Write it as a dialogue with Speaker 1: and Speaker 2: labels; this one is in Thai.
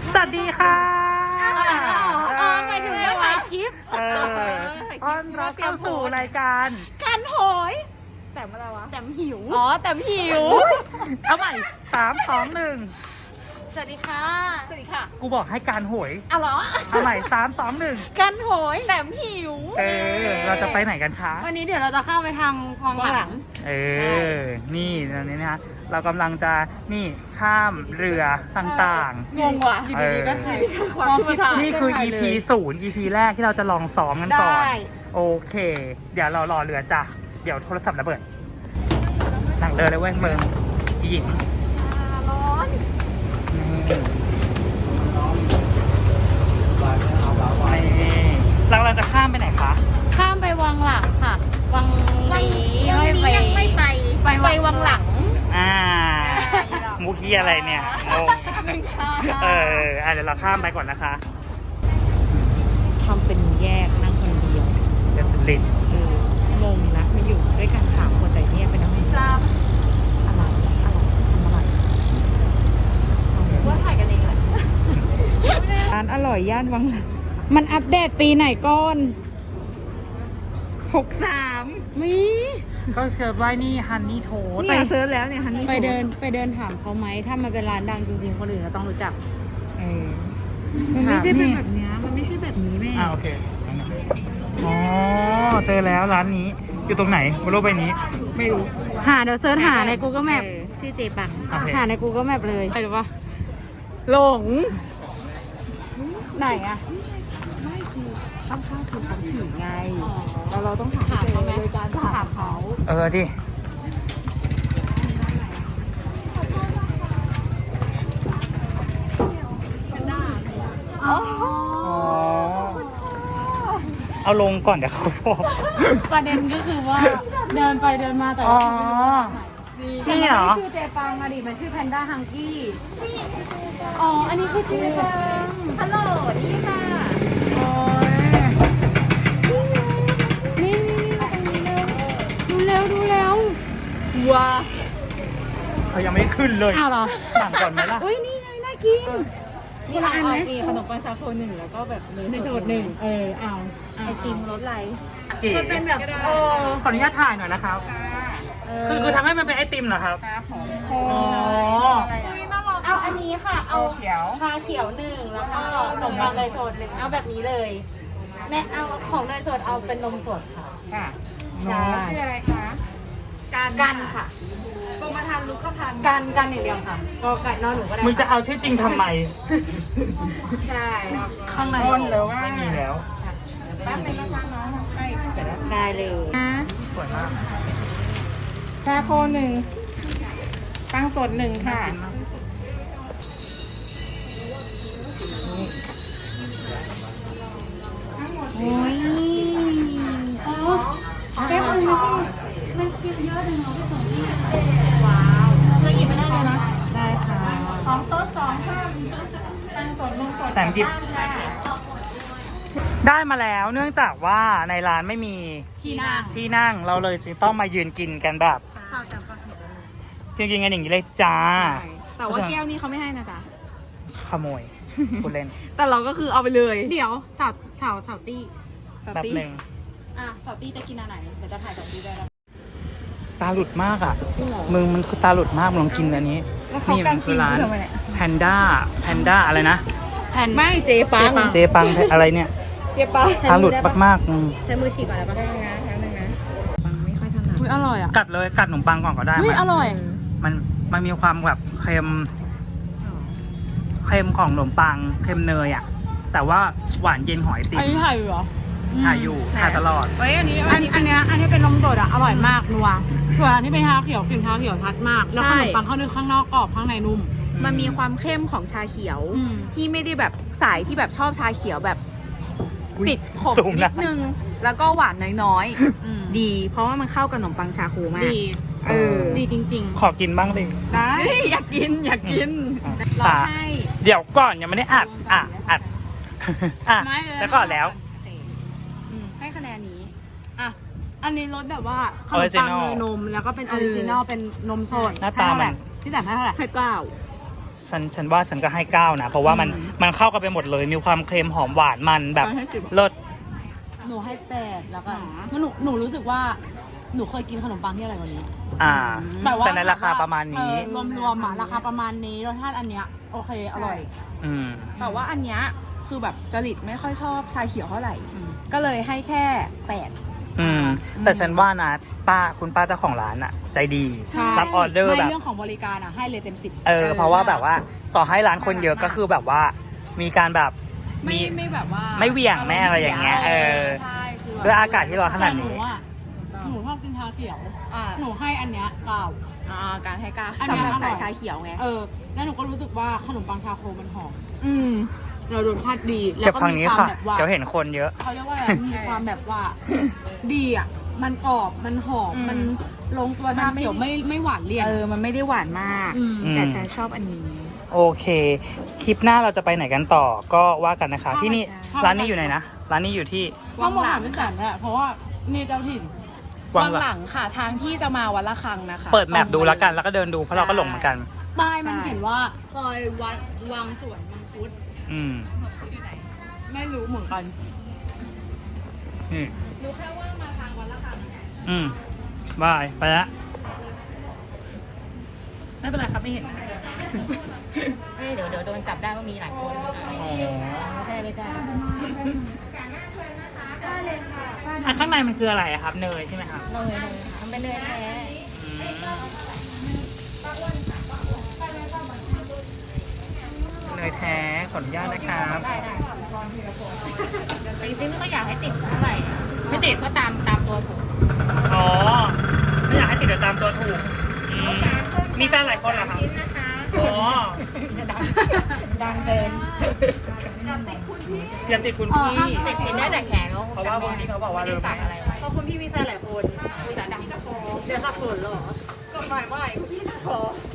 Speaker 1: สวัสดีค่ะ
Speaker 2: ไปถึงเรื่องถ่ายคลิป
Speaker 1: ต้อนรับเข้าสู่รายการ
Speaker 2: กันโหยแต่อะไรวะแต่หิวแต่หิว
Speaker 1: เอาใหม่3 2 1
Speaker 2: สวัสดีค่ะสวัสดีค่ะ
Speaker 1: กูบอกให้การโหย
Speaker 2: เหรอ
Speaker 1: เอาใหม่3 2 1
Speaker 2: กันโหยแต่หิว
Speaker 1: เราจะไปไหนกันคะ
Speaker 2: วันนี้เดี๋ยวเราจะเข้าไปทางวังหลัง
Speaker 1: นี่ตอนนี้นะคะเรากำลังจะข้ามเรือต่าง
Speaker 2: ๆงงว่ะดีๆก็ถ่าย
Speaker 1: นี่คือ EP 0 EP แรกที่เราจะลองซ้อมกันก่อนโอเคเดี๋ยวเรารอเรือจ้ะเดี๋ยวโทรศัพท์ระเบิดหนังเรือเลยเว้ยเมืองหญิง
Speaker 2: ร้อน
Speaker 1: เราจะข้ามไปไหนคะ
Speaker 2: ข้ามไปวังหลังค่ะวังนี้ไม่ไปวังหลัง
Speaker 1: มุกี้อะไรเนี่ยงงเดี๋ยวเราข้ามไปก่อนนะคะ
Speaker 2: ทำเป็นแยกนั่งคนเดียว
Speaker 1: เดี๋ยวลิน
Speaker 2: งงนะมาอยู่ด้วยกัน3 คนแต่เนี่ยเป็นน้ำไม่ทราบอะไรว่าถ่ายกันเองแหละร้านอร่อยย่านวังหลังมันอัปเดตปีไหนก่อน63มี
Speaker 1: ก็เซิร์ชไว้นี่ฮันนี่โทส
Speaker 2: ไปเซิร์ชแล้วเนี่ยฮันนี่ไปเดินถามเขาไหมถ้ามันเป็นร้านดังจริงๆคนอื่นก็ต้องรู้จักมันไม่ได้เป็นแบบนี้มันไม่ใช่แบบนี้แม่
Speaker 1: โอเคอ๋อเจอแล้วร้านนี้อยู่ตรงไหนบนโลกใบนี้
Speaker 2: ไม่รู้เดี๋ยวเซิร์ชหาใน Google Map ชื่อเจปังหาใน Google Map เลยใช่หรือเปล่าหลงไหนอะไม่คือข้างๆคือเขาถือไงเราต้องถามเขาไหมโดยการถามเขา
Speaker 1: ดิเอาลงก่อนเดี๋ยวเขาบอก
Speaker 2: ประเด็นก็คือว่าเดินไปเดินมาแต่ว่าไม่รู้นี่เหรอชื่อเจปังดิมันชื่อแพนด้าฮังกี้อันนี้คือเจปังฮัลโหลนี่ค่ะนี่ดูแล้วว้า
Speaker 1: เขายังไม่ขึ้นเลย
Speaker 2: เหรอ
Speaker 1: สั่งก่อนไหมล่ะ
Speaker 2: นี่ไงน่ากินนี่ละอันไหมขนมปังชาโค1แล้วก็แบบเนยสด1เอาไอติมรสอะไรมันเป็นแบบ
Speaker 1: ขออนุญาตถ่ายหน่อยนะครับคือทำให้มันเป็นไอติมเหรอครับ
Speaker 2: เอาอันนี้ค่ะเอาชาเขียว1แล้วก็ขนมปังเนยสด1เอาแบบนี้เลยแม่เอาของเนยสดเอาเป็นนมสดค่ะ
Speaker 3: ชื่ออะไรคะ
Speaker 2: กันค่ะกรมธรรม์ลูกก็พันกันอย่างเดียวค่ะก็ไก่นอนหนูก็ได้
Speaker 1: มึงจะเอาชื่อจริงทำไม
Speaker 2: ใช่
Speaker 1: ข้างในไม่มีแล้ว
Speaker 3: แป๊บนึงนะคะน้องใกล้เสร็จแล้ว
Speaker 2: ได้เลย
Speaker 1: สวยมาก
Speaker 3: ชาโค1ปังสด1ค่ะ
Speaker 2: โอ้ยแก้วมันกินเยอะเลยเนาะพี่สมว้าวเรากินไม่ได้เลยนะ
Speaker 1: ได้ค่ะ
Speaker 3: ของโต๊ะ2ค่ะปังสดนมสด
Speaker 1: แต่งดิบได้มาแล้วเนื่องจากว่าในร้านไม่มีที่นั่งเราเลยจึงต้องมายืนกินกันแบบกินกันอย่างนี้เลยจ้า
Speaker 2: แต่ว่าแก้วนี้เขาไม่ให้นะจ๊ะ
Speaker 1: ขโมยคุณเล่น
Speaker 2: แต่เราก็คือเอาไปเลยเดี๋ยวสาวตี้
Speaker 1: แบบหนึ่ง
Speaker 2: สาวตี้จะกินอะไรเดี๋ยวจะถ่ายสาวตี้ได้แล้ว
Speaker 1: ตาหลุดมากอ่ะมึงมันคือตาหลุดมากลองกินอันนี้นี่มันคือร้านแพนด้าอะไรนะ
Speaker 2: ไม่เจปัง
Speaker 1: อะไรเนี่ย
Speaker 2: เจปัง
Speaker 1: ตาหลุดมาก
Speaker 2: ใช้มือฉีกก่อนแล้วก็ได้นะครั้งนึงนะปังไม่ค่อยถนัดอุ้ยอร่อยอ่ะ
Speaker 1: กัดขนมปังก่อนก็ได้
Speaker 2: อุ้ยอร่อย
Speaker 1: มันมีความแบบเค็มของขนมปังเค็มเนยอ่ะแต่ว่าหวานเย็นหอยติ่ม
Speaker 2: อันนี้ถ่ายอยู่เหรอ
Speaker 1: ถ่ายตลอด
Speaker 2: อันนี้เป็นนมสดอ่ะอร่อยมากนัวส่วนอันที่เป็นชาเขียวกลิ่นชาเขียวชัดมากแล้วขนมปังข้างนอกกรอบข้างในนุ่ม
Speaker 4: มันมีความเข้มของชาเขียวที่ไม่ได้แบบสายที่แบบชอบชาเขียวแบบติดขมนิดนึงแล้วก็หวานน้อยๆดีเพราะว่ามันเข้ากับขนมปังชาโคมาก
Speaker 2: ดีจริงๆ
Speaker 1: ขอกินบ้างดิ
Speaker 4: ได้อยากกินรอให้
Speaker 1: เดี๋ยวก่อนยังไม่ได้อัดแล้วก็แล้ว
Speaker 4: ให้คะแนนนี้
Speaker 2: อันนี้รสแบบว่าขนมปังเนยนมแล้วก็เป็นออริจินอลเป็นนมสด
Speaker 1: หน้าตามัน
Speaker 2: ที่แต่ให้เท่าไหร่
Speaker 4: ให้9
Speaker 1: ฉันว่าฉันก็ให้9นะเพราะว่ามันเข้ากันไปหมดเลยมีความเค็มหอมหวานมันแบบเลิศ
Speaker 2: หนูให้8แล้วกันเพราะหนูรู้สึกว่าหนูเคยกินขนมปังที่อร่อยกว่านี้
Speaker 1: แต่ในราคาประมาณนี้
Speaker 2: รวมๆอ่ะราคาประมาณนี้รสชาติอันเนี้ยโอเคอร่อย
Speaker 4: แต่ว่าอันเนี้ยคือแบบจริตไม่ค่อยชอบชาเขียวเท่าไหร่ ก็เลยให้แค่8
Speaker 1: แต่ฉันว่านะคุณป้าเจ้าของร้านอะใจดีรับออเดอร์แบบ
Speaker 2: เรื่องของบริการอ่ะให้เลยเต็ม10
Speaker 1: เพราะว่าแบบว่าต่อให้ร้านคนเยอะก็คือแบบว่ามีการแบบ
Speaker 2: ไม่แบบว่า
Speaker 1: ไม่เหวี่ยงแม่อะไรอย่างเงี้ย
Speaker 4: ใช่คือ
Speaker 1: ด้วยอากาศที่ร้อนขนาดนี้
Speaker 2: หนูชอบกินชาเขียวหนูให้อันเนี้ย9
Speaker 4: การให้9
Speaker 2: อันเนี้
Speaker 4: สำหรับ
Speaker 2: ยอร่
Speaker 4: สา
Speaker 2: อย
Speaker 4: ยชาเขียวไง
Speaker 2: แล้วหนูก็รู้สึกว่าขนมปังชาโคมันหอมเรารสชาติดีแล้
Speaker 1: เก็บ
Speaker 2: วก็
Speaker 1: ทาง
Speaker 2: มี
Speaker 1: นี้
Speaker 2: ความ
Speaker 1: ค่ะ
Speaker 2: แบบว่า
Speaker 1: เดี๋ยวเห็นคนเยอะ
Speaker 2: เขาเรียกว่าอะไรมีความแบบว่าดีอ่ะมันกรอบมันหอมมันลงตัวชาเขียวไม่หวานเลี่ยน
Speaker 4: มันไม่ได้หวานมาก แต่ฉันชอบอันนี้
Speaker 1: โอเค คลิปหน้าเราจะไปไหนกันต่อก็ว่ากันนะคะ ที่นี่ร้านนี้อยู่ไหนนะร้านนี้อยู่ที่
Speaker 2: ต้องมองหาเป็นสันแหละเพราะว่านี่เจ้าถิ่น
Speaker 1: วั
Speaker 4: วั
Speaker 1: ง
Speaker 4: ง
Speaker 1: ห
Speaker 4: ห
Speaker 1: ลั
Speaker 4: ลั
Speaker 1: ง
Speaker 4: งค่ะทางที่จะมาวัดละคังนะคะ
Speaker 1: เปิดแมปดูแล้วกันแล้วก็เดินดูเพราะเราก็หลงเหมือนกัน
Speaker 2: ป้ายมันเขียนว่าซอยวัดวังสวนมังคุด ไม่รู้เหมือนกัน
Speaker 4: รู้แค่ว่ามาทางวัดละคัง
Speaker 1: บายไปละไม่เป็นไรครับไม่เห็น
Speaker 2: เดี๋ยวโดนจับได้ว่ามีหลายคนไม่ใช่
Speaker 1: ข้างในมันคืออะไรอะครับเนยใช่ไหมครับ
Speaker 2: เนยทำเป็นเนยแท้
Speaker 1: เนยแท้ขออนุญาตนะครับ
Speaker 2: ได้จริงๆไม่ค่อยอยากให้ติดเท่าไหร่
Speaker 1: ไม่ติด
Speaker 2: ก็ตามตัวถูก
Speaker 1: อ๋อไม่อยากให้ติดเดี๋ยวตามตัวถูกมีแฟนหลายคนเหรอครับอ๋อ
Speaker 2: ดังเกิน
Speaker 1: อย่าติดคุณพี่
Speaker 2: ติดได้แต่แขนเขา
Speaker 1: เพราะว่าพวกนี้เขาบอกว่า
Speaker 2: ไม่ได้สั่งอะไรไว้เพราะคุณพี่มีแฟนหลายคนจะดังเดี๋ยวสับสนหรอ
Speaker 4: กฎหมายใหม่พี่สักขอ